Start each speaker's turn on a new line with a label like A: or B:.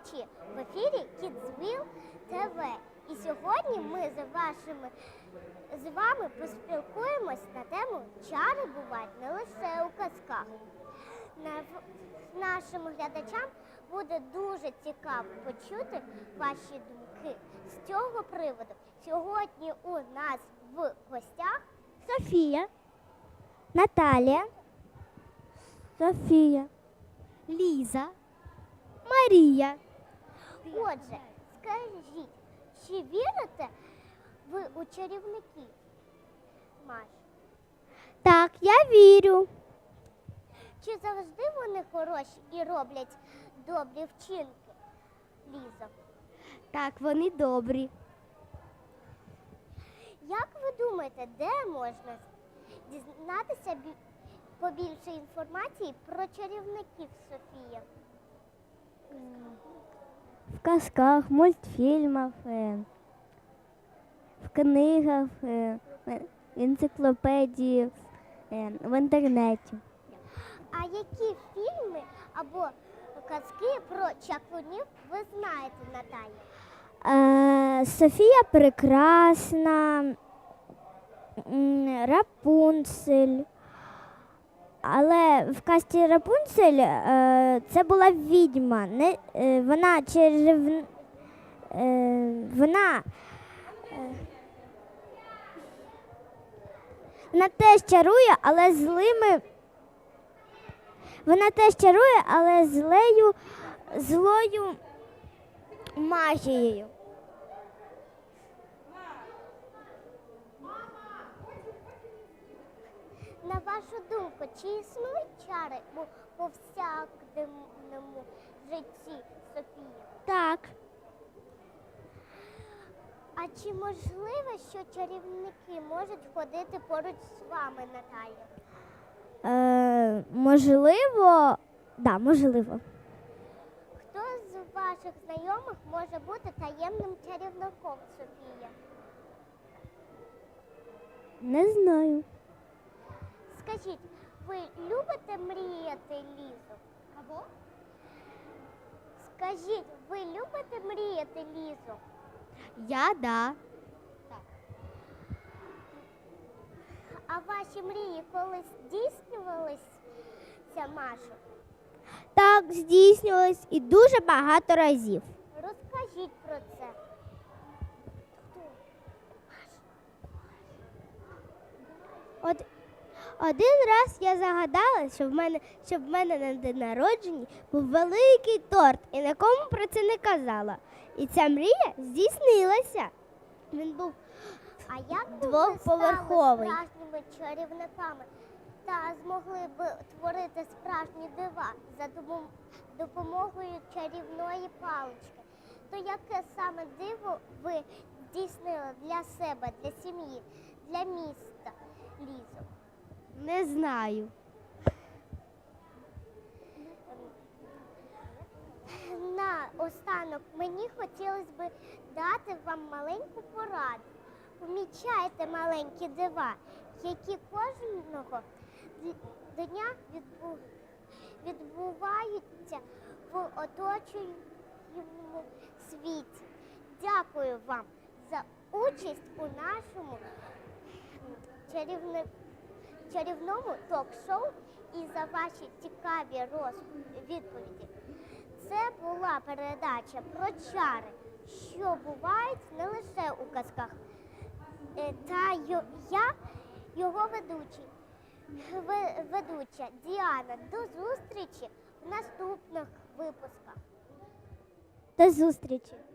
A: передачі в ефірі Kidsville TV. І сьогодні ми з вами поспілкуємось на тему «Чари бувають не лише у казках». Нашим глядачам буде дуже цікаво почути ваші думки з цього приводу. Сьогодні у нас в гостях
B: Софія, Наталія, Софія, Ліза, Марія.
A: Отже, скажіть, чи вірите ви у чарівників, Маш?
B: Так, я вірю.
A: Чи завжди вони хороші і роблять добрі вчинки, Ліза?
B: Так, вони добрі.
A: Як ви думаєте, де можна дізнатися побільше інформації про чарівників, Софія?
B: В казках, мультфільмах, в книгах, в енциклопедії, в інтернеті.
A: А які фільми або казки про чаклунів ви знаєте, Наталя?
B: Софія Прекрасна, Рапунцель. Але в казці Рапунцель це була відьма. Вона теж чарує, але злою магією.
A: На вашу думку, чи існують чари у повсякденному житті, Софія?
B: Так.
A: А чи можливо, що чарівники можуть ходити поруч з вами, Наталя?
B: Можливо, да, можливо.
A: Хто з ваших знайомих може бути таємним чарівником, Софія?
B: Не знаю.
A: Скажіть, ви любите мріяти, Лізо? Або? Скажіть, ви любите мріяти, Лізо?
B: Да.
A: А ваші мрії колись здійснювалися, Маша?
B: Так, здійснювалось і дуже багато разів.
A: Розкажіть про це.
B: Один раз я загадала, щоб в мене на день народження був великий торт і нікому про це не казала. І ця мрія здійснилася. Він був
A: А як би ви
B: двоповерховий.
A: стали справжніми чарівниками та змогли б творити справжні дива за допомогою чарівної палички? То яке саме диво ви здійснили для себе, для сім'ї, для міста, Лізо?
B: Не знаю.
A: Наостанок мені хотілося б дати вам маленьку пораду. Помічайте маленькі дива, які кожного дня відбуваються в оточуючому світі. Дякую вам за участь у нашому чарівному ток-шоу і за ваші цікаві відповіді. Це була передача про чари, що бувають не лише у казках. Та я, його ведуча Діана. До зустрічі в наступних випусках.
B: До зустрічі.